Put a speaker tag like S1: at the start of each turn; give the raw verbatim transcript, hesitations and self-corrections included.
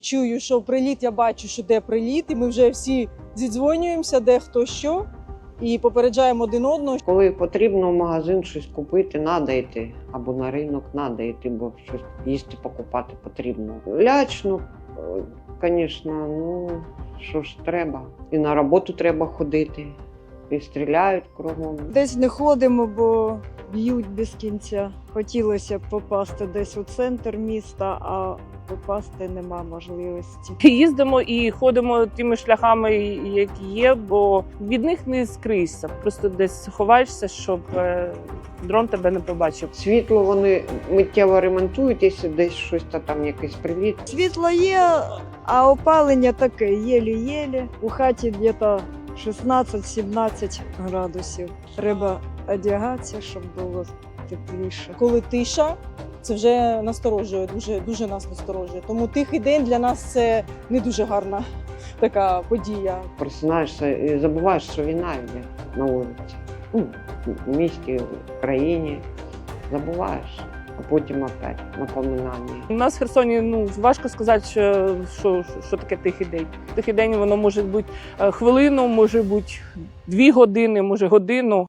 S1: Чую, що приліт, я бачу, що де приліт, і ми вже всі зідзвонюємося, де хто що, і попереджаємо один одного.
S2: Коли потрібно в магазин щось купити, треба йти. Або на ринок треба йти, бо щось їсти покупати потрібно. Лячно, звісно, ну що ж треба. І на роботу треба ходити, і стріляють кругом.
S3: Десь не ходимо, бо б'ють без кінця. Хотілося б попасти десь у центр міста, а попасти нема можливості.
S4: Їздимо і ходимо тими шляхами, які є, бо від них не скрийся. Просто десь ховаєшся, щоб е, дрон тебе не побачив.
S2: Світло вони миттєво ремонтують, якщо десь щось та там якийсь приліт.
S3: Світло є, а опалення таке єлі-єлі. У хаті десь шістнадцять-сімнадцять градусів. Треба одягатися, щоб було тепліше.
S1: Коли тиша, це вже насторожує, дуже, дуже нас насторожує. Тому тихий день для нас це не дуже гарна така подія.
S2: Просинаєшся і забуваєш, що війна йде на вулиці. Ну, в місті, в країні. Забуваєш, а потім опять напоминання.
S4: У нас в Херсоні ну важко сказати, що, що, що таке тихий день. Тихий день воно може бути хвилину, може бути дві години, може годину.